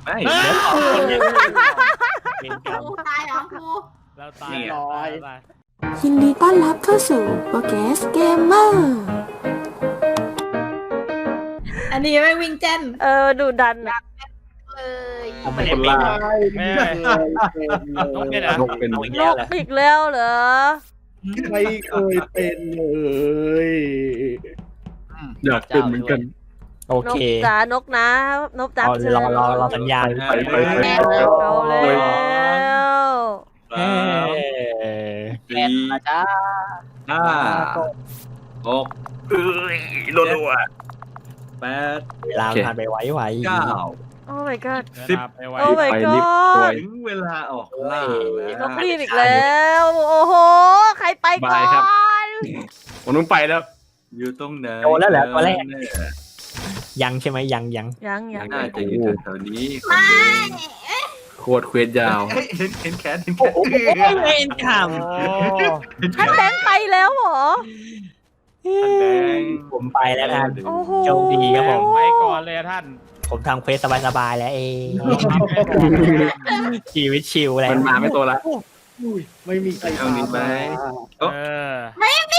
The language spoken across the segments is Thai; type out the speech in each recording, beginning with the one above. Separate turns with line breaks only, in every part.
ไม่
เดี๋ยวขอคนเดียวเป็นกรรม
ครูตายเหรอครู
เราตาย
ยินดีต้อนรับเข้าสู่โปรแกสเกมเมอร์
อันนี้ไม่วิ่งเจน
ดูดันอะ
เลย
ผมไม่ได้เป็น
นกเนี่ยนะ
นกเป็น
เอาอีก
น
แล้ว
ก
เหรอ
อีกแล้วเหรอ
ไม่เคยเป็นเลย
อยากเป็นเหมือนกัน
โอน เค
กจ๋านกนะนกจ๋า
เอา
เชิญ
รอสัญญาณ
ไป
เอาแล้ว
เอ้ย
สี่ห้าหกรัวๆแปด
เวลาผ่านไปไว
เก้า
โอ้ my god
สิบ
ไปไว
โอ้ my
ไปลิฟต์
god
ถึงเวลาออกล่าแล้ว
นกรีบอีกแล้ว โอ้โห ใครไปก่อน
ผมต้องไปแล้ว อยู่ตรงไหน
โดนแล้วแหละตัวแรกยังใช่ไหมยัง
ยัง
น่าจะอยู่แถวๆนี้โคตรเควสยาวเห็นแขนเห็นแข
โอ้
น
โหเล่นข
ท่านแบงค์ไปแล้วเหรอ
ท่านแดง
ำผมไปแล้วท่าน
โอ้โห
โชคดีครับผม
ไปก่อนเลยท่าน
ผมทำเควสสบายๆแล้วเองชีวิตชิลแล้ว
มันมาไม่ตัวละ
ไม่มีใคร
เอานี้ไหม
เออ
ไม่มี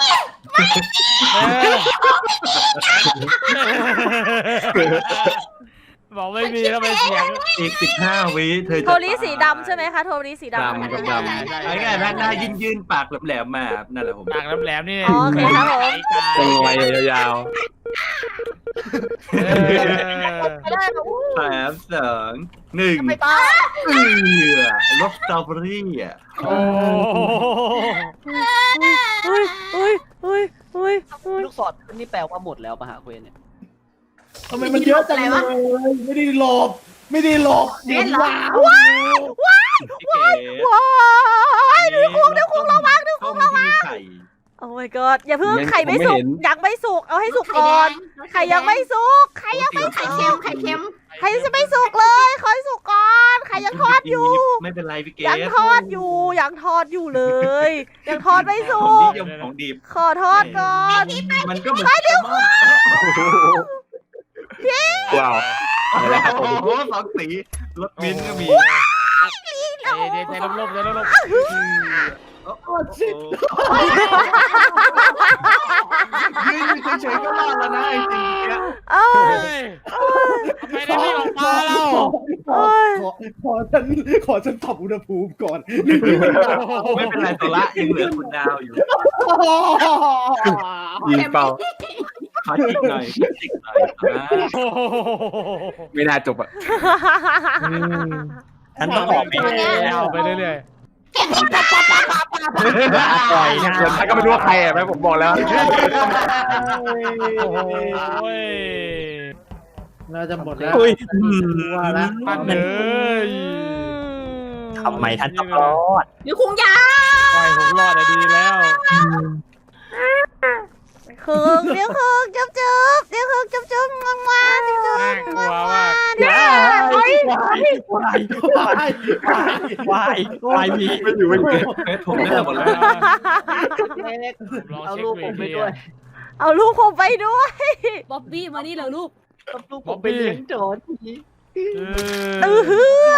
บอกไม่มีแล้วไปเสียง
อีก15 วิเธอจะ
โทรีสีดำใช่ไหมคะ โทรีสีดำ
ดำกับดำไอ้ไงหน้ายื่นปากแหลมๆมานั่นแหละผม
ปากแหลมๆนี่
อ๋อโอเคครับผม
ตรงไว้ยาว
ไม่ได้หรอก
ๆ3 2 1
ไปต่อ
รสสตรอเบอรี่อ่ะ
โอ้
อุ้ย
ลูกศรนี่แปลว่าหมดแล้วปะฮะเควสเนี่ย
ทำไมมันเยอะจังเลยไม่ได้หลบไม่ได้หลบเดี๋ยวว้าว
ว้ายดูคุกระวังดูคุกระวัง โอ้ my god อย่าเพิ่งไข่ไม่สุกยังไม่สุกเอาให้สุกก่อนไข่ยังไม่สุกไข่ยังไม่
ไข่เค็มไข่เค็ม
ไข่จะไม่สุกเลยขอให้สุกก่อนไข่ยังทอดอยู่
ไม่เป็นไรพี่เก
ยังทอดอยู่ยังทอดอยู่เลย ยังทอดไม่สุ
ของนิ
ก
ยมของดีบ
ขอทอดก่อน
มันก็เหมือนเร็วว้าวโอ้โหสองสีรถมิ้นก็มี
ใจลบๆใจลบ
โอ้ชิดยืนอยู่เฉยๆก็รอดแล้วนะไอ้จริงเนี่ย
เอ้ย
ไม่ได้ไม่ออกมาแล้ว
ขอฉันปรับอุณหภูมิก่อน
ไม่เป็นไรตัวละยังเหลือคุณดาวอยู่ยิงเป่าขอจิกหน่อยจิกหน่อยไม่น่าจบอ่ะ
ท่านต้องออกไป
เอาไปเรื่อย
ปล่อยนะ
ถ้าก็ไม่รู้ว่าใครอ่ะแม่ผมบอกแล้ว
โอ้ย
น่าจะหมดแล้ว
อุ้ย
ว่าแล้ว
ปั้นเลย
ทำไมท่านต้องรอด
อยู่คุงยา
ปล่อยผมรอดดีแล้ว
คึงเดี๋ยวคึงจุ๊บเดี๋ยวคึงจุ๊บงวงจุ๊บ
น่ากลัวมาก
วายมี
ไม่อยู่ไม่อยู่ผมได้หมดแล้ว
เอาลูกผมไปด้วย
เอาลูกผมไปด้วย
บ๊อบบี้มานี่เหรอลูก
เอาลูกผมไปเลี้ยงโจรที
ฮือ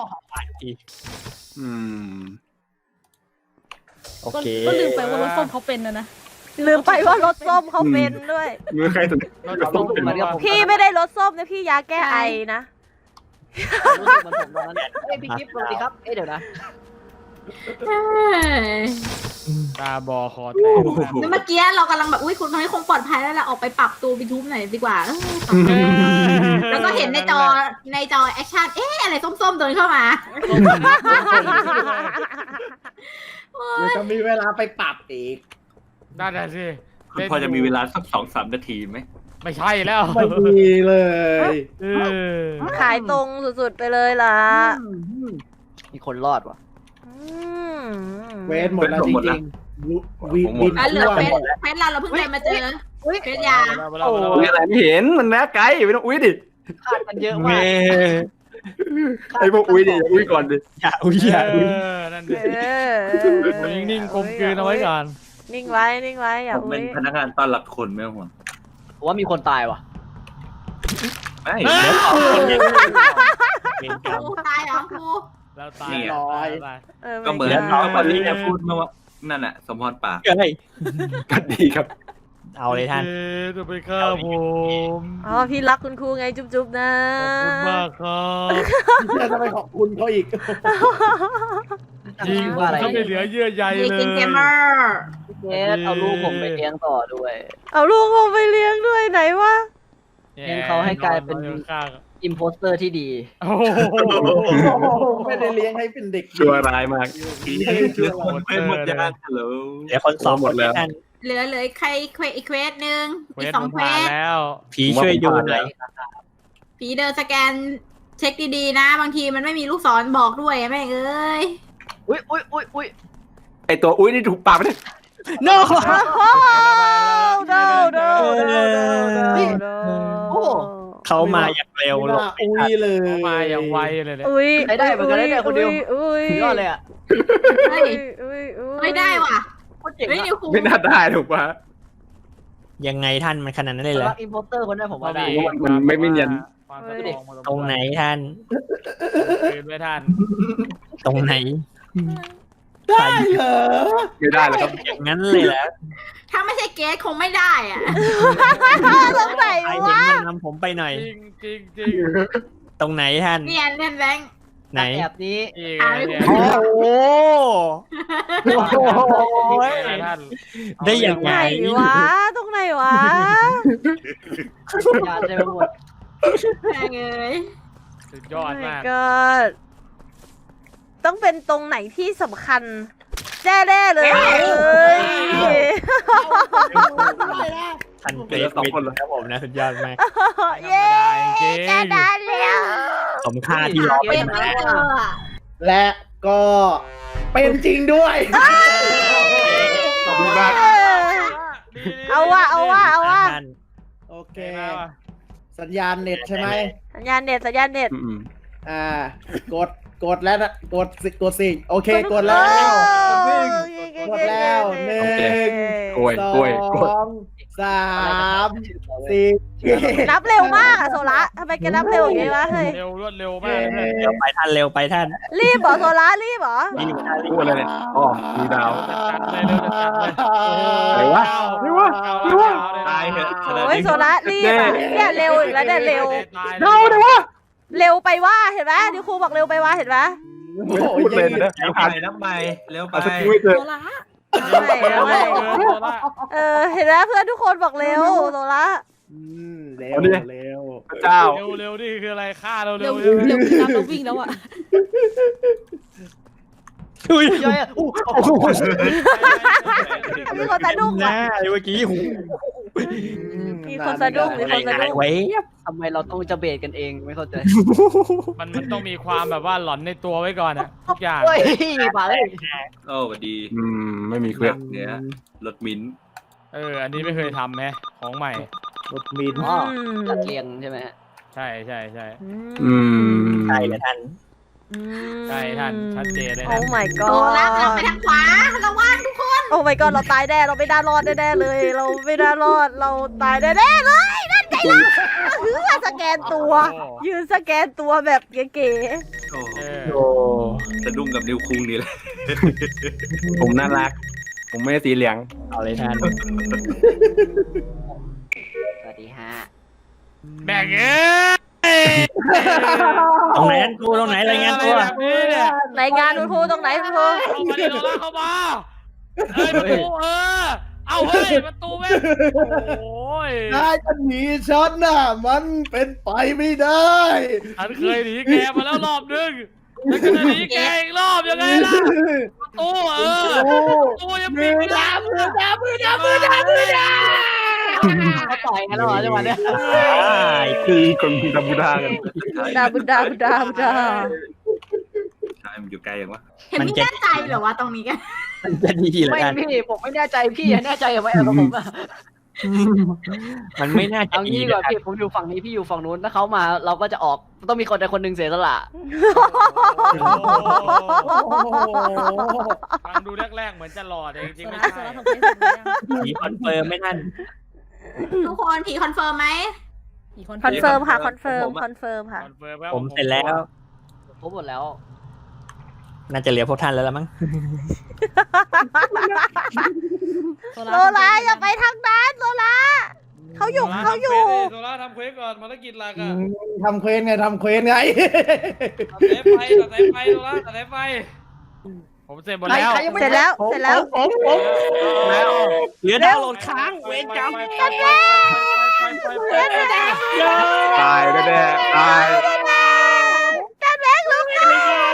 โอเค
ก็ลืมไปว่ารถส้มเขาเป็นนะ
ลืมไปว่ารถส้มเขาเป็นด้วย
มือใครสุด
เราต้องเป็น
พี่ไม่ได้รถส้มนะพี่ยาแก้ไอนะ
รู้สึกเหมันผมตอนนั้นเอ้ยพี่กิฟต์สวัสดีครับเอ้ยเดี๋ยวนะ
ตาบอคอแตก
เมื่อกี้เรากำลังแบบอุ้ยคุณให้คงปลอดภัยแล้วล่ะออกไปปรับตัวไปทุบหน่อยดีกว่าแล้วก็เห็นในจอแอคชั่นอะไรส้มๆเดินเข้ามา
เดี๋ยวจะมีเวลาไปปรับอีก
น่าจะสิ
คุณพอจะมีเวลาสัก2-3 นาทีไหม
ไม่ใช่แล้ว
ไม่มีเลย
ขายตรงสุดๆไปเลยล่ะ
มีคนรอดว่ะ
เวทหมดแล้วจริงๆวิน
เหลือเฟสเราเพิ่งเดินมาเจอเฟสยา
อุ้ยอะไรไม่เห็นมันแม้ไกลไม่ต้องอุ้ยดิ
คาดกันเยอะ
เม
มาก
ไอ้พวกอุ้ยดิอุ้ยก่อนดิ
อย่าอุ้ยอย่าอุ้ย
นั่นดินิ่งๆกลมกลืนเอาไว้ก่อน
นิ่งไว้อย่า
ผม
อุ้
เป็
ย
นพนักงานต้อนรับคนไม่ต้องห่วง
ผมว่ามีคนตายว่ะ
ไม่
เดี๋ยวขอคนเดียว
ครูตายเหรอครู
เราตาย
ก็เหมือน
แล้ว
น้อง
ต
ค
อน
น
นี้
นี้
จะ
จะ
พู
พู
ด
ดมาว่านั่นน่ะสมพรปาก
เฮ้ย
กันดีครับ
เอาเลยท่าน
จะไปฆ่าผม
อ๋อพี่รักคุณครูไงจุ๊บๆนะ
ขอบคุณมากครับ
จะทำไมขอบคุณเขาอีก
จริงผมก็ไม่เหลือเยื่อใย
เด็ก
เล
กินเกมเมอย ร์
เนสเอาลูกผมไปเลี้ยงต่อด้วย
เอาลูกผมไปเลี้ยงด้วยไหนวะ
เลี้ยงเขาให้กลายเป็น อิมโพสเตอร์ที่ดี
โอ้โห
ไม่ได้เลี้ยงให้เป็นเด็ก
ชั่วร้ายมากไม่หมดยากเหรอ
เดี๋ยวคนสอง
หมดแล้ว
ท่าน
เหลือใครอีกเควสหนึ่ง
เว
อีก
ท
สอง
ผม
เคว
ผ่าน
ส
แล้ว
ผีช่วยดูหน่อย
ผีเดินสแกนเช็คดีๆนะ บางทีมันไม่มีลูกศรบอกด้วยแม่งเอ้ย
อุ้ย
ไอตัวอุ้ยนี่ถูกปากไปเลย
no
โอ้
เขามาอย่างเร็ว
ห
ล
น้าง อุ้ยเลย
เขามาอย่างไวเลยเนี่ย
อุ้ย
ใช้ได้เหมือนกันนะเนี่ยคนเดียว
อุ้ย
สุดยอดเลยอ่ะ
เฮ้ย ไม่ได้ว่ะ
โคตรเจ๋ง
เฮ้ย
อะ
นิวครู
ไม่น่าได้ถูกปะ
ยังไงท่านมันขนาดนั้นเลยเหรอ
รักอิมโพสเตอร์คนนั้นผมว่าได้
มันไม่เนียน
ความสตรองมา
ตรงไหนท่าน
คืนไว้ท่าน
ตรงไหน
ได้เหรอ
ไม่ได้แล้วครับ
อย่างนั้นเลยเหรอ
ถ้าไม่ใช่เกสคงไม่ได้อ่ะ
ตรงไหน
ใครเห็น
วะ
มันนำผมไปหน่อย
จริงจริง
ตรงไหนท่าน
เนี่ยเล่นแบงค์
ไหน
แบบนี้
อีก
โอ้โห
ท่าน
ได้ยังไง
ไหนวะตรงไหนวะ
ยาเต็มไปหมด
แม่งเอ้ย
สุดยอดมาก
ก็ต้องเป็นตรงไหนที่สำคัญแน่ๆเลย
ท่านเกรฟวินครับผมนะสุดยอดมาก
เย้จะได้แล้ว
สมค่าที่รอไป
เป็นไม่เจออะ
และก็เป็นจริงด้วย
ขอบคุณมาก
เอาว่ะ
ท่าน
โอเค สัญญาณเน็ตใช่ไหม
สัญญาณเน็ต
กดแล้วนะกดสิโอเคกดแล้ว กดแล้วหนึ่ง
กล้วย
ส
กล้วยกด
องสามสี่
นับเร็วมากอะโซละทำไมแกนับเร็วอย่างงี้วะเฮ้ย
เร็วรวดเร็วมากเลย
เร็วไปท่านเร็วไปท่าน
รีบเหรอโซละรีบเหรอ
รีบท่านรี
พู
บ
ดอะไรเนี่ยอ๋อมีดาว
จัดเลยเร็วจัดเลย
อะไรวะ
ตายเหอะ
โอ้ยโซละรีบอะเนี่ยเร็วอีกแล้วเนี่ยเร็ว
เท่าเลยวะ
เร็วไปว่าเห็นไหมดิวครูบอกเร็วไปว่าเห็นไหม
ไม่พูดเลยนะ
แล้วไปน้ำใหม่เร็วไป
เอาสกิลให้เจอ
ไม่เห็นไหมเพื่อนทุกคนบอกเร็วโซละ
เร็วเร็ว
พระเจ้า
เร็วเร็วนี่คืออะไรฆ่าเราเร็
เร็
ว
ว
เร็ว
เร็วตามเราวิ่งแล้วอ่ะ
อุ้ย
ย่อยอ่ะอู้
มีคนสะดุ้ง
ห
ว่ะ
น้าเมื่อกี้หู
มีคนสะดุ้งมี
อะไร
คนสะ
หาย
ดุ้ง
ไว้
ทำไมเราต้องจะเบรกกันเองไม่เข้าใจ
มันต้องมีความแบบว่าหลอนในตัวไว้ก่อนอะทุกอย่าง
เฮ้ยมาเลย
โอ้สวัสดี
ไม่มีเควส
เนี่ยรถมิ้นท์
อันนี้ไม่เคยทำแฮะของใหม่
รถมิน
อ๋อจัดเรียงใช่ไหมฮะ
ใช่ใช่ใช่
ใช่เลยท่าน
ใช่ท่านชัดเจนเลย
โอ้
นะ
my
โซล่า
god
กำลังไปทางขวาระวังทุกคน
โอ้ my god เราตายแน่เราไม่น่ารอดแน่ๆเลย เราไม่น่ารอดเราตายแน่ๆเลยนั่นไงล่ะยืนสแกนตัว ยืนสแกนตัวแบบเก๋
โอ้
โอ้
สะดุ้งกับนิวคุงนี่แหละ
ผมน่ารัก ผมไม่ได้สีเหลือง
เอาเลยท่าน
สวัสดีฮะ
แบ่งเอ้ย
ตรงไหนนั่นกูตรงไหนรายงานตัว
แบบนี้เนี่ย
ๆรายงานคุณครูตรงไหนคุณครู
เข้ามาดิโดนลากเข้ามาประตูเอาเฮ้ยประตูแม่งโอ้ย
นายจะหนีฉันน่ะมันเป็นไปไม่ได้
ฉันเคยหนีแกมาแล้วรอบนึงแล้วก็จะหนีแกอีกรอบยังไงล่ะประตูประตูยังปิดไม่ได้
มือดา
เขาต่อยกันแล้วเหรอจังหวะเนี้ย
คือคนบูดาบูดากัน
บุดา
ใช่มันอยู่ไกลอย่างวะ
เห็นไม่แน่ใจเหรอวะตรงนี้กัน
มันจะดีเหรอ
ไม่
ท่าน
พี่ผมไม่แน่ใจพี่แน่ใจกับไม่เอากับผมอะ
มันไม่น่าจะ
เอา
ดี
งี้ดีก
นะ
ว่าพี่ผมอยู่ฝั่งนี้พี่อยู่ฝั่งนู้นถ้าเขามาเราก็จะออกต้องมีคนใดคนหนึ่งเสียสละ
ฟังดูแรกๆเหมือนจะหล่อแต่จริงๆไม่
โซ
ใช่
ล่าทำเควสเสร็จหรือยัง
ผีคอนเฟิร์มไหมท่าน
ทุกคนผีคอนเฟิร์มไหม
กี่คน
คอนเฟิร์มค่ะคอนเฟิร์มค่ะ
คอนเฟิร์ม
ผมเสร็จแล้ว
ครบหมดแล้ว
น่าจะเหลือพวกท่านแล้วละมั้ง
โซล่าอย่าไปทางนั้นโซล่าเขาอยู่
โซล่าทำเควสก่อนภารกิจหลักอะ
ทำเควสไง
ตัดสายไฟโซล่าตัดสายไฟผมเสร็จหมดแล้ว
เสร็จแล้ว
แล้วเหลือดาวน์โหลดค้างเวรกรรม
ตายแน่ๆตาย
กันแบงค์ลุกขึ้น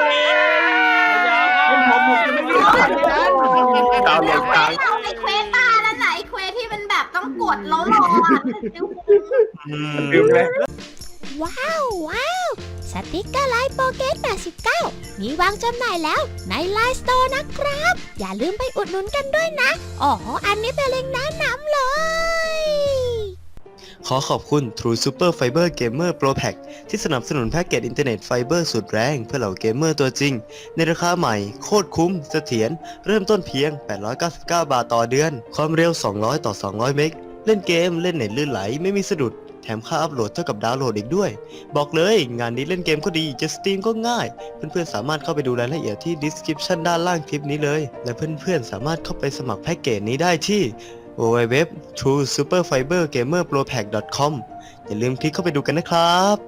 ดาวน์โหลดค้าง
เอาไอ้เควสตาแล้วไหนเควสที่มันแบบต้องกดแล้วรออ่ะ
ลืมเลย
ว้าวสติกเกอร์ไลน์โปเกต89มีวางจำหน่ายแล้วในไลน์สโตร์นะครับ อย่าลืมไปอุดหนุนกันด้วยนะอ๋ออันนี้เป็นลิงก์แนะนำเลย
ขอขอบคุณ True Super Fiber Gamer Pro Pack ที่สนับสนุนแพ็กเกจอินเทอร์เน็ตไฟเบอร์สุดแรงเพื่อเหล่าเกมเมอร์ตัวจริงในราคาใหม่โคตรคุ้มเสถียรเริ่มต้นเพียง899 บาทต่อเดือนความเร็ว200ต่อ200เมกเล่นเกมเล่นเน็ตลื่นไหลไม่มีสะดุดแถมค่าอัพโหลดเท่ากับดาวน์โหลดอีกด้วยบอกเลยงานนี้เล่นเกมก็ดีจะสตรีมก็ง่ายเพื่อนๆสามารถเข้าไปดูรายละเอียดที่ description ด้านล่างคลิปนี้เลยและเพื่อนๆสามารถเข้าไปสมัครแพ็กเกจนี้ได้ที่ www.truesuperfibergamerpropack.com อย่าลืมคลิกเข้าไปดูกันนะครับ